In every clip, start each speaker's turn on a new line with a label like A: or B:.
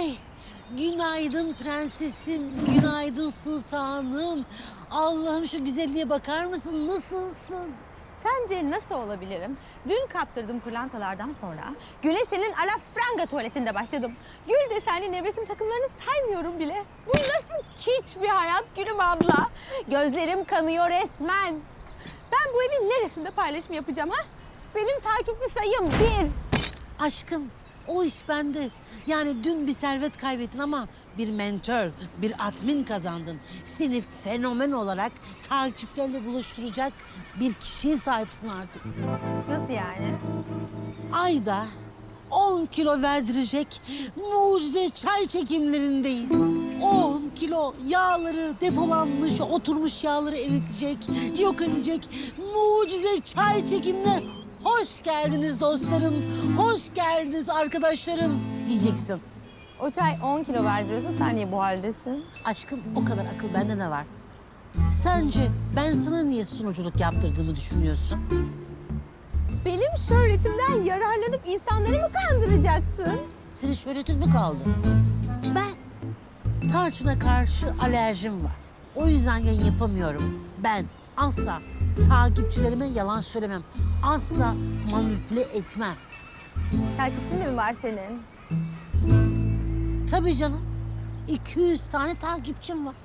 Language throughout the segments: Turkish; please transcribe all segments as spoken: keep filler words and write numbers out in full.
A: Ay, günaydın prensesim, günaydın sultanım. Allah'ım şu güzelliğe bakar mısın? Nasılsın?
B: Sence nasıl olabilirim? Dün kaptırdığım pırlantalardan sonra Gül'e senin alafranga tuvaletinde başladım. Gül desenli nevresim takımlarını saymıyorum bile. Bu nasıl kiç bir hayat Gülüm abla? Gözlerim kanıyor resmen. Ben bu evin neresinde paylaşım yapacağım ha? Benim takipçi sayım bir.
A: Aşkım, o iş bende. Yani dün bir servet kaybettin ama bir mentor, bir admin kazandın. Seni fenomen olarak takipçilerle buluşturacak bir kişiye sahipsin artık.
B: Nasıl yani?
A: Ayda on kilo verdirecek mucize çay çekimlerindeyiz. on kilo yağları, depolanmış, oturmuş yağları eritecek, yok edecek mucize çay çekimler. Hoş geldiniz dostlarım, hoş geldiniz arkadaşlarım diyeceksin.
B: O çay on kilo verdiriyorsa sen niye bu haldesin?
A: Aşkım, o kadar akıl bende de var. Sence ben sana niye sunuculuk yaptırdığımı düşünüyorsun?
B: Benim şöhretimden yararlanıp insanları mı kandıracaksın?
A: Senin şöhretin mi kaldı? Ben tarçına karşı alerjim var. O yüzden yayın yapamıyorum. Ben asla takipçilerime yalan söylemem. Asla manipüle etmem.
B: Takipçin de mi var senin?
A: Tabii canım. iki yüz tane takipçim var.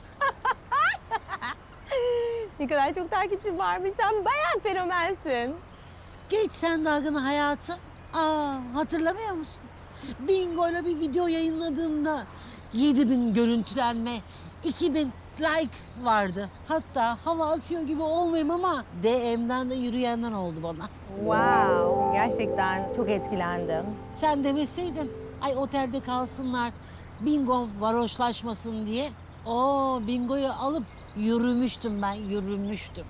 B: Ne kadar çok takipçin varmış. Sen bayağı fenomensin.
A: Geç sen dalgını hayatım. Aa, hatırlamıyor musun? Bingo'yla bir video yayınladığımda yedi bin görüntülenme, iki bin like vardı. Hatta hava asıyor gibi olmayayım ama D M'den de yürüyenler oldu bana.
B: Wow, gerçekten çok etkilendim.
A: Sen demeseydin, ay otelde kalsınlar, bingo varoşlaşmasın diye. Oo, bingoyu alıp yürümüştüm ben, yürümüştüm.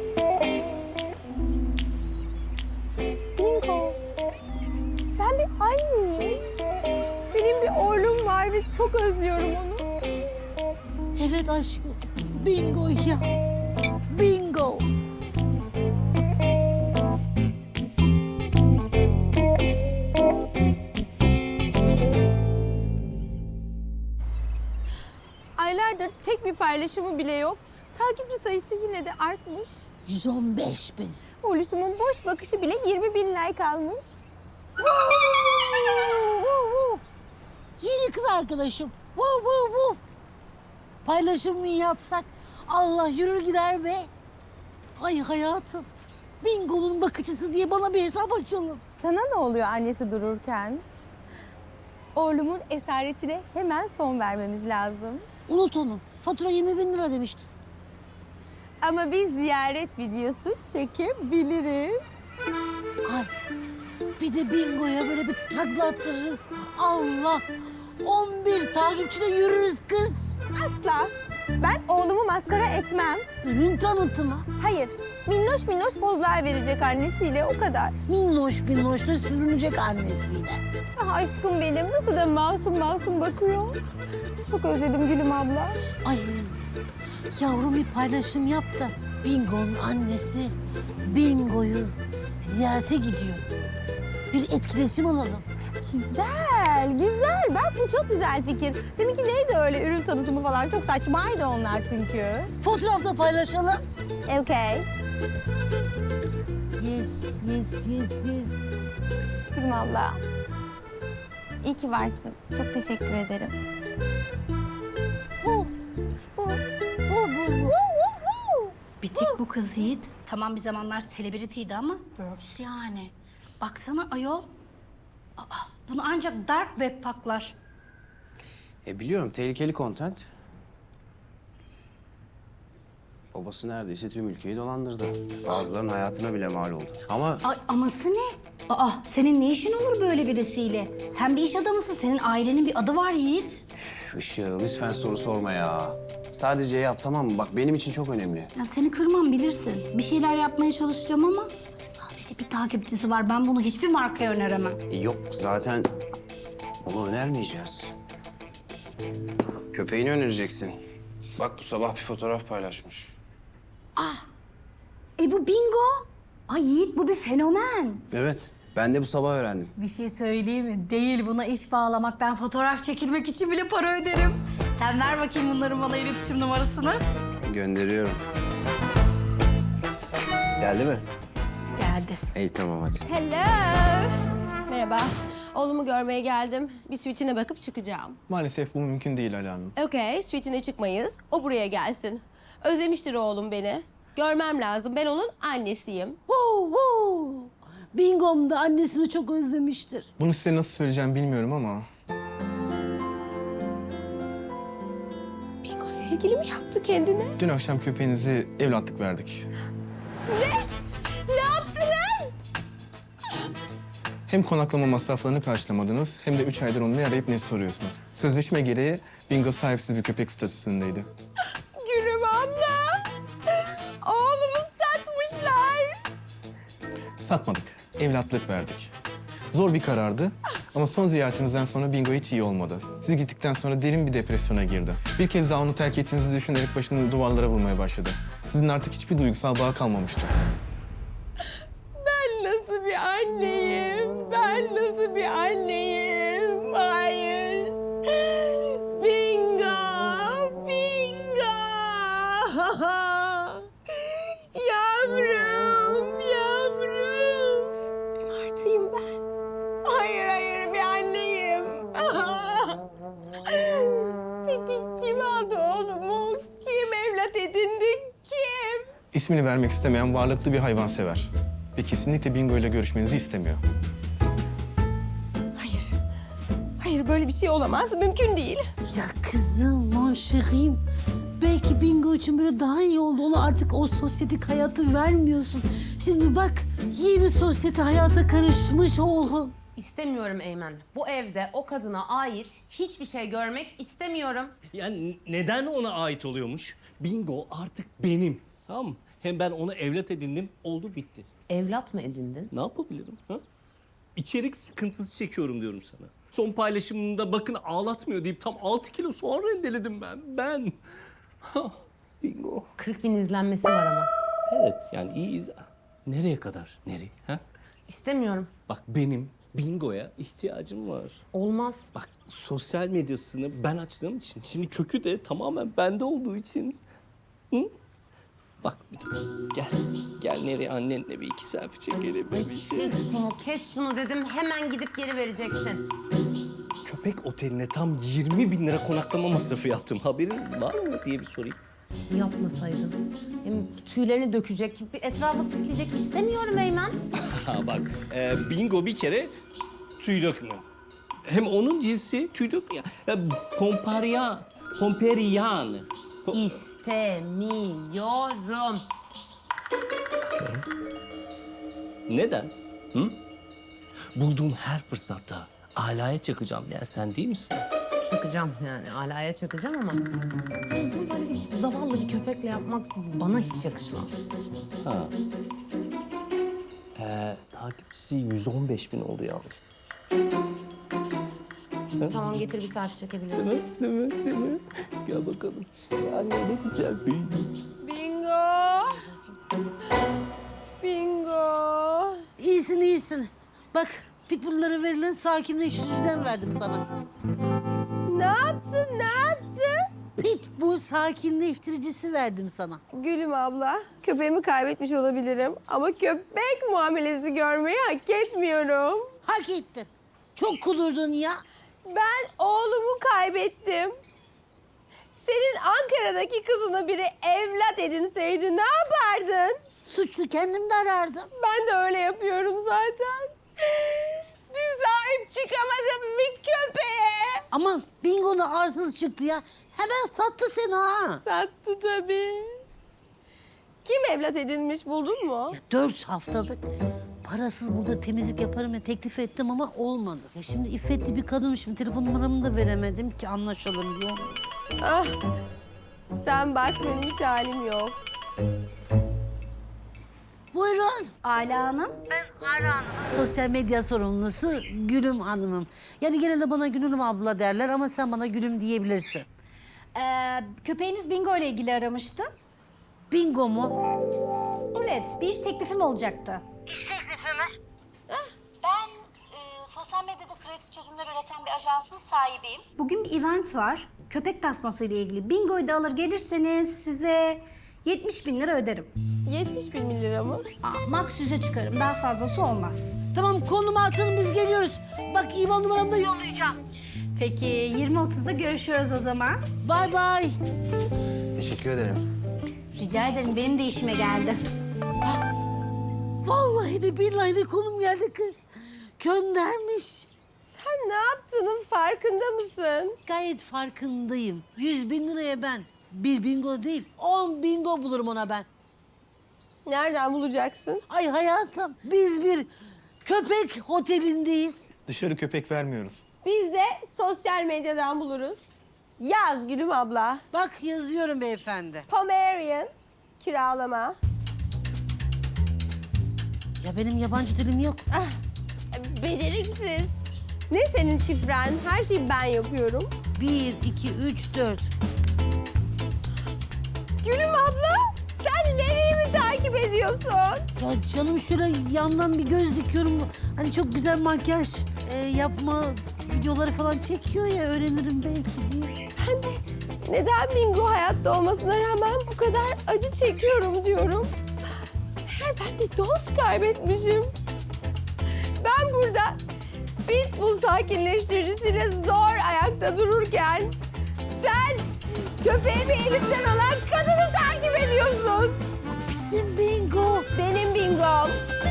B: Bingo. Ben bir anneyim. Benim bir oğlum var ve çok özlüyorum onu.
A: Evet aşkım, bingo ya, bingo.
B: Aylardır tek bir paylaşımı bile yok. Takipçi sayısı yine de artmış.
A: yüz on beş bin.
B: Oğluşumun boş bakışı bile yirmi bin like almış.
A: Woo, woo. Yeni kız arkadaşım. Woo, woo, woo. Paylaşım mı yapsak? Allah yürür gider be. Ay hayatım. Bingo'nun bakıcısı diye bana bir hesap açalım.
B: Sana ne oluyor annesi dururken? Oğlumun esaretine hemen son vermemiz lazım.
A: Unut onu. Fatura yirmi bin lira demiştin.
B: Ama biz ziyaret videosu çekebiliriz.
A: Ay bir de bingoya böyle bir takla attırırız. Allah! on bir takipçide yürürüz kız.
B: Asla. Ben oğlumu maskara etmem.
A: Ürün tanıtımı.
B: Hayır. Minnoş minnoş pozlar verecek annesiyle o kadar.
A: Minnoş minnoş da sürünecek annesiyle.
B: Ah aşkım benim nasıl da masum masum bakıyor. Çok özledim Gülüm abla.
A: Ay yavrum bir paylaşım yap da Bingo'nun annesi Bingo'yu ziyarete gidiyor. Bir etkileşim alalım.
B: Güzel, güzel. Bak bu çok güzel fikir. Deminki neydi öyle ürün tanıtımı falan? Çok saçmaydı onlar çünkü.
A: Fotoğrafta paylaşalım.
B: Okay.
A: Yes, yes, yes, yes.
B: Gülüm abla. İyi ki varsın. Çok teşekkür ederim.
A: Bu, bu, bu, bu, bu.
C: Bitik bu kız Yiğit. Tamam bir zamanlar selebrity'ydi ama works yani. Baksana ayol. Aa, bunu ancak dark web paklar.
D: E biliyorum tehlikeli content. Babası neredeyse tüm ülkeyi dolandırdı. Bazılarının hayatına bile mal oldu. Ama
C: Ay aması ne? Aa senin ne işin olur böyle birisiyle? Sen bir iş adamısın. Senin ailenin bir adı var Yiğit.
D: Işıl lütfen soru sorma ya. Sadece yap tamam mı? Bak benim için çok önemli.
C: Ya seni kırmam bilirsin. Bir şeyler yapmaya çalışacağım ama sadece bir takipçisi var. Ben bunu hiçbir markaya öneremem.
D: E, yok zaten onu önermeyeceğiz. Köpeğini önereceksin. Bak bu sabah bir fotoğraf paylaşmış.
C: E bu bingo. Ay Yiğit bu bir fenomen.
D: Evet Ben de bu sabah öğrendim.
C: Bir şey söyleyeyim mi? Değil, buna iş bağlamak. Ben fotoğraf çekilmek için bile para öderim. Sen ver bakayım bunların bana iletişim numarasını.
D: Gönderiyorum. Geldi mi?
C: Geldi.
D: İyi tamam hadi.
B: Hello. Merhaba. Oğlumu görmeye geldim. Bir suite'ine bakıp çıkacağım.
E: Maalesef bu mümkün değil Ala Hanım.
B: Okey, suite'ine çıkmayız. O buraya gelsin. Özlemiştir oğlum beni. Görmem lazım. Ben onun annesiyim.
A: Wow, wow. Bingom da annesini çok özlemiştir.
E: Bunu size nasıl söyleyeceğim bilmiyorum ama...
B: Bingo sevgili mi yaptı kendine?
E: Dün akşam köpeğinizi evlatlık verdik.
B: Ne yaptınız?
E: Hem konaklama masraflarını karşılamadınız hem de üç aydır onu ne arayıp ne soruyorsunuz. Sözleşme gereği Bingo sahipsiz bir köpek statüsündeydi.
B: Gülüm abla. Oğlumu satmışlar.
E: Satmadık, evlatlık verdik. Zor bir karardı ama son ziyaretinizden sonra Bingo hiç iyi olmadı. Siz gittikten sonra derin bir depresyona girdi. Bir kez daha onu terk ettiğinizi düşünerek başını duvarlara vurmaya başladı. Sizin artık hiçbir duygusal bağ kalmamıştı.
B: Ben nasıl bir anneyim? Ben nasıl bir anneyim? Hayır. Bingo! Bingo! Yavrum, yavrum. Bir martıyım ben. Hayır, hayır bir anneyim. Peki kim aldı oğlumu? Kim evlat edindi? Kim?
E: İsmini vermek istemeyen varlıklı bir hayvansever. Ve kesinlikle Bingo ile görüşmenizi istemiyor.
B: Hayır. Hayır böyle bir şey olamaz. Mümkün değil.
A: Ya kızım, mon chérim. Belki Bingo için böyle daha iyi oldu. Ona artık o sosyetik hayatı vermiyorsun. Şimdi bak, yeni sosyete hayata karışmış oğlum.
F: İstemiyorum Eymen. Bu evde o kadına ait hiçbir şey görmek istemiyorum.
G: Yani neden ona ait oluyormuş? Bingo artık benim. Tamam mı? Hem ben onu evlat edindim, oldu bitti.
F: Evlat mı edindin?
G: Ne yapabilirim? Ha? İçerik sıkıntısı çekiyorum diyorum sana. Son paylaşımında bakın ağlatmıyor deyip tam altı kilo soğan rendeledim ben. Ben. Ha, Bingo.
F: kırk bin izlenmesi var ama.
G: Evet yani iyi izle. Nereye kadar? Nereye? Ha?
F: İstemiyorum.
G: Bak benim Bingo'ya ihtiyacım var.
F: Olmaz.
G: Bak sosyal medyasını ben açtığım için, şimdi kökü de tamamen bende olduğu için. Hı? Bak bir dur. Gel. Gel nereye annenle bir iki selfie çekelim. Bir şey.
F: Kes şunu, kes şunu dedim. Hemen gidip geri vereceksin.
G: Köpek oteline tam yirmi bin lira konaklama masrafı yaptım. Haberin var mı diye bir sorayım.
F: Yapmasaydın. Hem tüylerini dökecek, bir etrafı pisleyecek istemiyorum Eymen.
G: Ha bak, e, Bingo bir kere tüy dökmüyor. Hem onun cinsi tüy dökmüyor. Ya, Pomparian, Pomperian. Po-
F: İstemiyorum.
G: Neden? Hı? Bulduğum her fırsatta alaya çakacağım ya sen değil misin?
F: Çakacağım yani, alaya çakacağım ama... Bunu böyle bir zavallı bir köpekle yapmak bana hiç yakışmaz.
G: Ha. Ee, takipçisi yüz on beş bin oldu yalnız.
F: Tamam, getir bir selfie çekebiliriz.
G: Değil mi? Değil mi? Değil mi? Gel bakalım. Ya ne güzel bir...
B: Bingo! Bingo!
A: İyisin, iyisin. Bak, pitbulllara verilen sakinleştiriciden verdim sana.
B: Ne yaptın, ne yaptın?
A: Pitbull sakinleştiricisi verdim sana.
B: Gülüm abla, köpeğimi kaybetmiş olabilirim ama köpek muamelesi görmeyi hak etmiyorum.
A: Hak ettin. Çok kudurdun ya.
B: Ben oğlumu kaybettim. Senin Ankara'daki kızına biri evlat edinseydi ne yapardın?
A: Suçu kendimde arardım.
B: Ben de öyle yapıyorum zaten. Bir sahip çıkamadım bir köpeğe.
A: Aman Bingo da arsız çıktı ya. Hemen sattı seni ha.
B: Sattı tabii. Kim evlat edinmiş buldun mu?
A: Ya dört haftalık parasız burada temizlik yaparım ya teklif ettim ama olmadı. Ya şimdi iffetli bir kadınmışım. Telefon numaramı da veremedim ki anlaşalım diyor.
B: Ah, sen bak benim hiç halim yok.
A: Buyurun.
C: Ala Hanım.
A: Sosyal medya sorumlusu Gülüm Hanım'ım. Yani genelde bana Gülüm abla derler ama sen bana Gülüm diyebilirsin.
C: Ee, köpeğiniz Bingo ile ilgili aramıştı.
A: Bingo mu?
C: Evet, bir iş teklifim olacaktı.
B: Ben
H: sosyal medyada kreatif çözümler üreten bir ajansın sahibiyim.
C: Bugün bir event var. Köpek tasması ile ilgili. Bingo'yu da alır gelirseniz size yetmiş bin lira öderim.
B: yetmiş bin lira mı?
C: Aa, max yüze çıkarım. Daha fazlası olmaz.
A: Tamam konumu atın biz geliyoruz. Bak İvan numaramı da yollayacağım.
C: Peki yirmi otuzda görüşüyoruz o zaman.
A: Bay bay.
D: Teşekkür ederim.
C: Rica ederim. Benim de işime geldi.
A: Vallahi de billahi de konum geldi kız. Göndermiş.
B: Sen ne yaptığının farkında mısın?
A: Gayet farkındayım. Yüz bin liraya ben bir bingo değil, on bingo bulurum ona ben.
B: Nereden bulacaksın?
A: Ay hayatım, biz bir köpek otelindeyiz.
E: Dışarı köpek vermiyoruz.
B: Biz de sosyal medyadan buluruz. Yaz Gülüm abla.
A: Bak yazıyorum beyefendi.
B: Pomerian kiralama.
A: Ya benim yabancı dilim yok.
B: Beceriksiz. Ne senin şifren? Her şeyi ben yapıyorum.
A: Bir, iki, üç, dört.
B: Gülüm abla, sen nereyi mi takip ediyorsun?
A: Ya canım şöyle yandan bir göz dikiyorum. Hani çok güzel makyaj e, yapma videoları falan çekiyor ya öğrenirim belki diye.
B: Ben de neden bingo hayatta olmasına rağmen bu kadar acı çekiyorum diyorum. Meğer ben bir dost kaybetmişim. Ben burada pitbull sakinleştiricisiyle zor ayakta dururken sen köpeğimi elimden alan kadını takip ediyorsun.
A: Bizim bingo.
B: Benim bingom.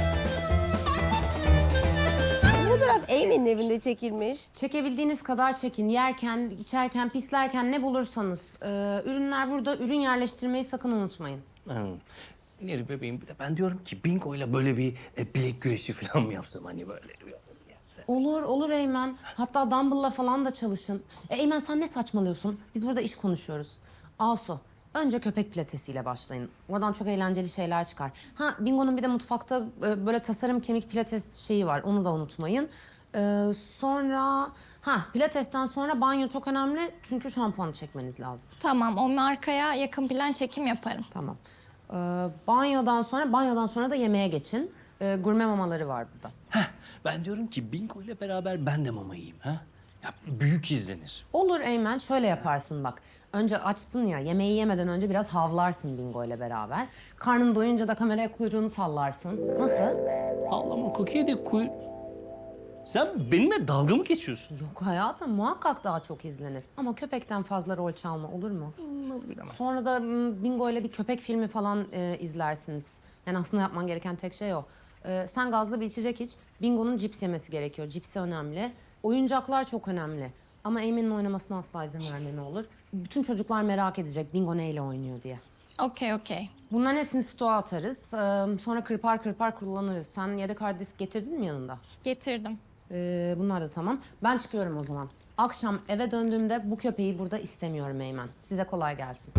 B: Bu fotoğraf Amy'nin evinde çekilmiş.
F: Çekebildiğiniz kadar çekin. Yerken, içerken, pislerken ne bulursanız. Ee, ürünler burada. Ürün yerleştirmeyi sakın unutmayın.
G: Ha. Neri bebeğim bir de ben diyorum ki bingoyla böyle bir e, bilek güreşi falan mı yapsam hani böyle bir gelse.
F: Olur, olur Eymen. Hatta Dumble'la falan da çalışın. E, Eymen sen ne saçmalıyorsun? Biz burada iş konuşuyoruz. Asu, önce köpek pilatesiyle başlayın. Oradan çok eğlenceli şeyler çıkar. Ha, Bingo'nun bir de mutfakta e, böyle tasarım kemik pilates şeyi var. Onu da unutmayın. Ee, sonra... Ha, pilatesten sonra banyo çok önemli. Çünkü şampuanı çekmeniz lazım.
I: Tamam, onun arkaya yakın plan çekim yaparım.
F: Tamam. Ee, banyodan sonra, banyodan sonra da yemeğe geçin. Ee, gurme mamaları var burada.
G: Heh, ben diyorum ki bingo ile beraber ben de mama yiyeyim ha. Ya büyük izlenir.
F: Olur Eymen, şöyle yaparsın bak. Önce açsın ya, yemeği yemeden önce biraz havlarsın Bingo ile beraber. Karnın doyunca da kameraya kuyruğunu sallarsın. Nasıl?
G: Ağlama kokiye de kuy... Sen benimle dalga mı geçiyorsun?
F: Yok hayatım, muhakkak daha çok izlenir. Ama köpekten fazla rol çalma, olur mu? Sonra da m, Bingo ile bir köpek filmi falan e, izlersiniz. Yani aslında yapman gereken tek şey o. E, sen gazlı bir içecek iç. Bingo'nun cips yemesi gerekiyor. Cipsi önemli. Oyuncaklar çok önemli. Ama Emin'in oynamasına asla izin verme ne olur. Bütün çocuklar merak edecek Bingo neyle oynuyor diye.
I: Okey, okey.
F: Bunların hepsini stoğa atarız. Ee, sonra kırpar kırpar kullanırız. Sen yedek hard disk getirdin mi yanında?
I: Getirdim.
F: Ee, bunlar da tamam. Ben çıkıyorum o zaman. Akşam eve döndüğümde bu köpeği burada istemiyorum Eymen. Size kolay gelsin.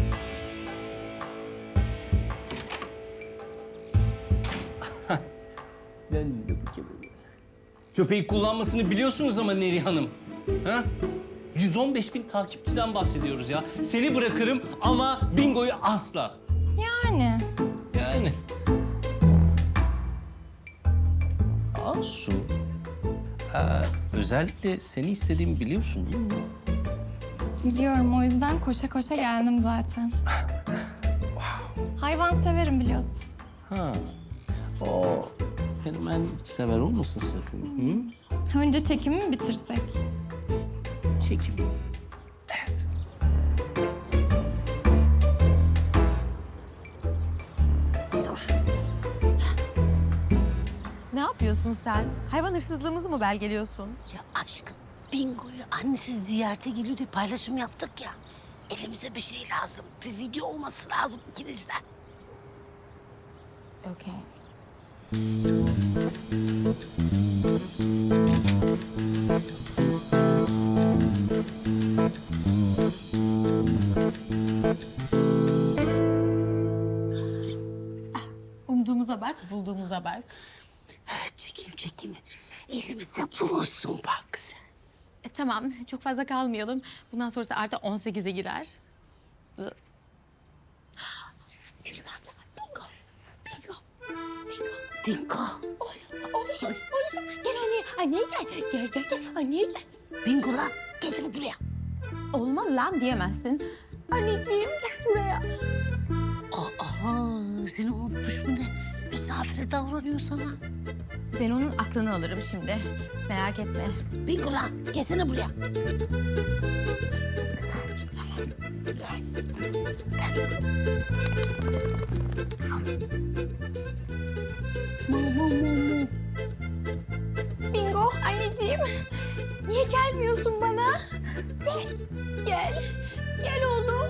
G: Ben de bu köpeği. Köpeği kullanmasını biliyorsunuz ama Neri Hanım. Ha? yüz on beş bin takipçiden bahsediyoruz ya. Seni bırakırım ama bingoyu asla.
I: Yani.
G: Yani. Asu. Ee, özellikle seni istediğimi biliyorsun değil mi?
I: Biliyorum, o yüzden koşa koşa geldim zaten. Hayvan severim biliyorsun.
G: Ha. O fenomen sever olmasın sakın. Hı?
I: Önce çekimi mi bitirsek?
G: Çekim. Evet.
B: Ne yapıyorsun sen? Hayvan hırsızlığımızı mı belgeliyorsun?
A: Ya aşkım bingoyu annesi ziyarete geliyor diye paylaşım yaptık ya. Elimize bir şey lazım. Bir video olması lazım ikinizden.
B: Okey.
I: Umduğumuza bak, bulduğumuza bak.
A: Çekim çekim. Elimize bulunsun bak sen.
B: E, tamam, çok fazla kalmayalım. Bundan sonrası artı on sekize girer.
A: Gülüm abla. Bingo. Bingo. Bingo.
B: Oğluşum, oğluşum. Gel anne. Anneye gel. Gel gel gel. Anneye gel.
A: Bingo lan. Gel buraya.
B: Olmaz lan diyemezsin. Anneciğim gel buraya.
A: Aa, seni unutmuş mu ne? Misafire davranıyor sana.
B: Ben onun aklını alırım şimdi. Merak etme.
A: Bingo lan. Gelsene buraya.
B: Bingo anneciğim. Niye gelmiyorsun bana? Gel. Gel. Gel oğlum.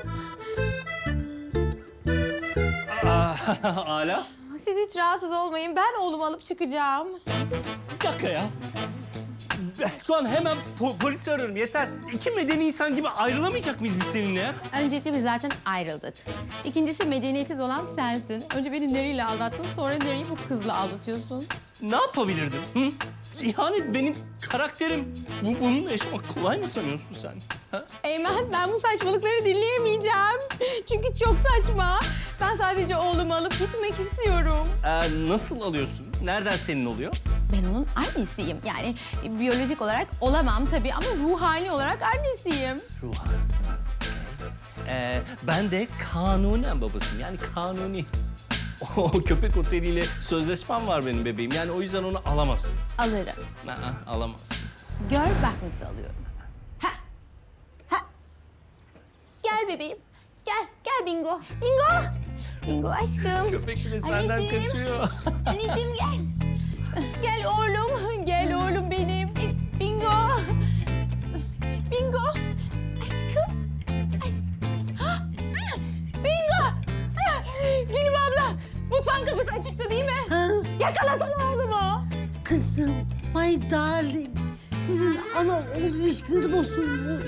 G: Aa, Ala.
B: Siz hiç rahatsız olmayın. Ben oğlumu alıp çıkacağım.
G: Bir dakika ya. Ben şu an hemen po- polisi arıyorum yeter. İki medeni insan gibi ayrılamayacak mıyız biz seninle ya?
B: Öncelikle biz zaten ayrıldık. İkincisi medeniyetsiz olan sensin. Önce beni Neri'yle aldattın, sonra Neri'yi bu kızla aldatıyorsun.
G: Ne yapabilirdim? Hı? İhanet benim karakterim. Bu, bununla yaşamak kolay mı sanıyorsun sen? Ha?
B: Eymen, ben bu saçmalıkları dinleyemeyeceğim. Çünkü çok saçma. Ben sadece oğlumu alıp gitmek istiyorum.
G: Ee, nasıl alıyorsun? Nereden senin oluyor?
B: Ben onun annesiyim. Yani biyolojik olarak olamam tabii ama ruhani olarak annesiyim.
G: Ruhan. Ee, ben de kanunen babasıyım. Yani kanuni. O köpek oteliyle sözleşmem var benim bebeğim. Yani o yüzden onu alamazsın.
B: Alırım.
G: Aa, alamazsın.
B: Gör bak nasıl alıyorum. Ha. Ha. Gel bebeğim. Gel. Gel Bingo. Bingo. Bingo aşkım.
G: Köpek bile senden
B: Anneciğim.
G: kaçıyor.
B: Anneciğim gel. Gel oğlum. Gel oğlum benim. Bingo. Bingo. Aşkım. Aşk... Ah! Bingo. Ah! Gülüm abla. Mutfağın kapısı açıktı değil mi?
A: Ha?
B: Yakalasana oğlumu.
A: Kızım, my darling. Sizin ana oğul ilişkiniz bozulmuş.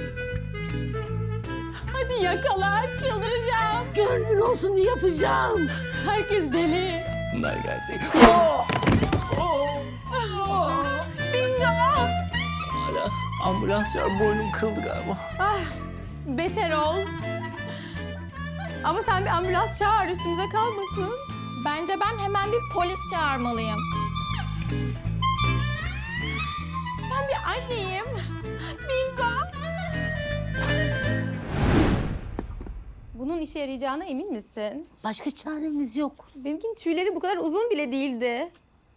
B: Hadi yakala. Çıldıracağım.
A: Gönlün olsun yapacağım.
B: Herkes deli.
G: Bunlar gerçek.
B: Bingo.
G: Hala ambulans var. Boynum kırıldı galiba.
B: Ah, beter ol. Ama sen bir ambulans çağır, üstümüze kalmasın.
I: Bence ben hemen bir polis çağırmalıyım.
B: Ben bir anneyim. Bingo. Bunun işe yarayacağına emin misin?
A: Başka çaremiz yok.
B: Benimkinin tüyleri bu kadar uzun bile değildi.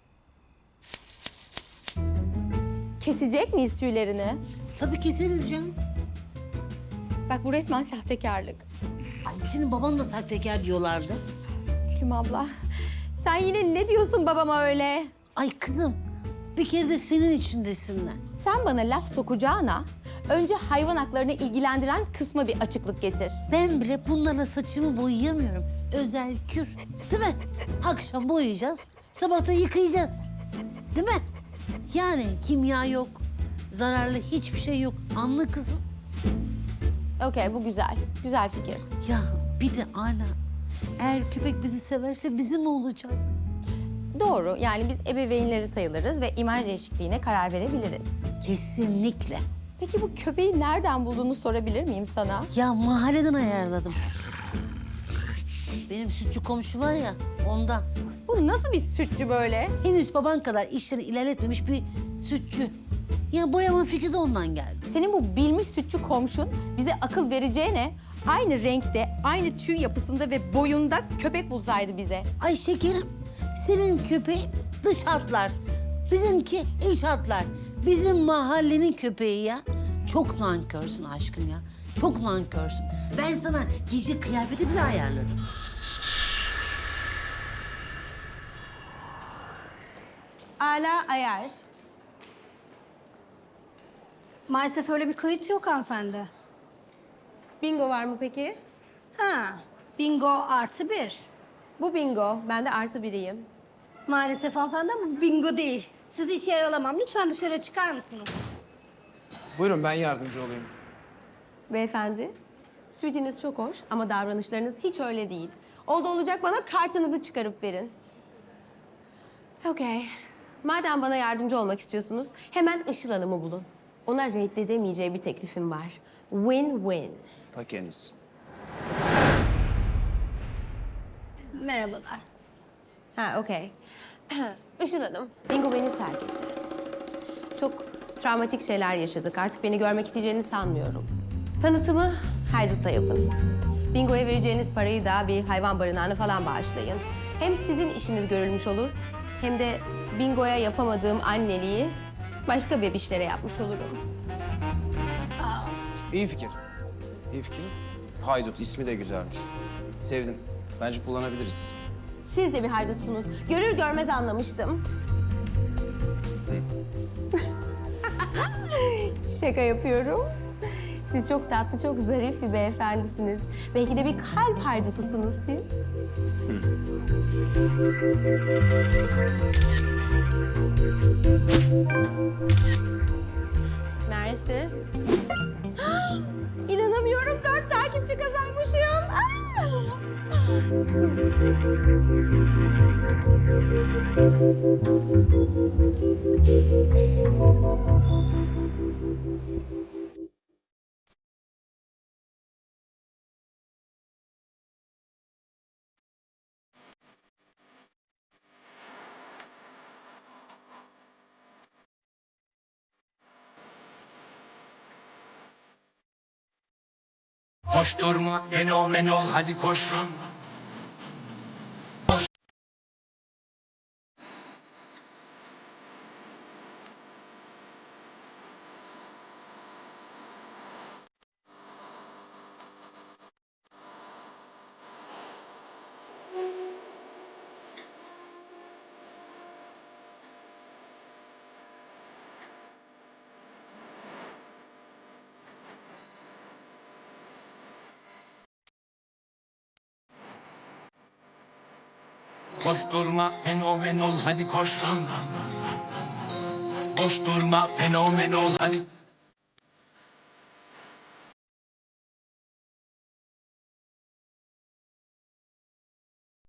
B: Kesecek miyiz tüylerini?
A: Tabii keseriz canım.
B: Bak bu resmen sahtekarlık.
A: Ay, senin baban da sahtekar diyorlardı.
B: Gülüm abla, sen yine ne diyorsun babama öyle?
A: Ay kızım, bir kere de senin için desinler.
B: Sen bana laf sokacağına önce hayvan haklarını ilgilendiren kısma bir açıklık getir.
A: Ben bile bunlarla saçımı boyayamıyorum. Özel kür, değil mi? Akşam boyayacağız, sabah da yıkayacağız. Değil mi? Yani kimya yok, zararlı hiçbir şey yok. Anla kızım.
B: Okey, bu güzel. Güzel fikir.
A: Ya bir de Ala, eğer köpek bizi severse bizim olacak.
B: Doğru. Yani biz ebeveynleri sayılırız ve imaj değişikliğine karar verebiliriz.
A: Kesinlikle.
B: Peki bu köpeği nereden bulduğunu sorabilir miyim sana?
A: Ya mahalleden ayarladım. Benim sütçü komşu var ya, ondan.
B: Bu nasıl bir sütçü böyle?
A: Henüz baban kadar işleri ilerletmemiş bir sütçü. Ya boyama fikri de ondan geldi.
B: Senin bu bilmiş sütçü komşun bize akıl vereceğine aynı renkte, aynı tüy yapısında ve boyunda köpek bulsaydı bize.
A: Ay şekerim, senin köpeğin dış hatlar. Bizimki iç hatlar. Bizim mahallenin köpeği ya. Çok nankörsün aşkım ya. Çok nankörsün. Ben sana gece kıyafeti bile ayarladım.
B: Ala ayar.
C: Maalesef öyle bir kayıt yok hanımefendi.
B: Bingo var mı peki?
C: Ha, bingo artı bir.
B: Bu bingo. Ben de artı biriyim.
C: Maalesef hanımefendi ama bu bingo değil. Sizi içeri alamam. Lütfen dışarı çıkar mısınız?
J: Buyurun ben yardımcı olayım.
B: Beyefendi, sütünüz çok hoş ama davranışlarınız hiç öyle değil. Oldu olacak bana kartınızı çıkarıp verin. Okey. Madem bana yardımcı olmak istiyorsunuz, hemen Işıl Hanım'ı bulun. Ona reddedemeyeceği bir teklifim var. Win-win.
J: Ta kendisi.
C: Merhabalar.
B: Ha, okey. Işıl Hanım, Bingo beni terk etti. çok travmatik şeyler yaşadık. Artık beni görmek isteyeceğini sanmıyorum. Tanıtımı Haydut'la yapın. Bingo'ya vereceğiniz parayı da bir hayvan barınağına falan bağışlayın. Hem sizin işiniz görülmüş olur, hem de Bingo'ya yapamadığım anneliği başka bebişlere yapmış olurum.
D: İyi fikir. İyi fikir. Haydut ismi de güzelmiş. Sevdim. Bence kullanabiliriz.
B: Siz de bir haydutsunuz. Görür görmez anlamıştım. Şaka yapıyorum. Siz çok tatlı, çok zarif bir beyefendisiniz. Belki de bir kalp haydutusunuz siz. Mersi. İnanamıyorum, dört takipçi kazanmışım.
K: Koşturma, fenomen ol, hadi koşun. Koşturma, fenomen ol, hadi koşun. Koşturma, fenomen ol, hadi.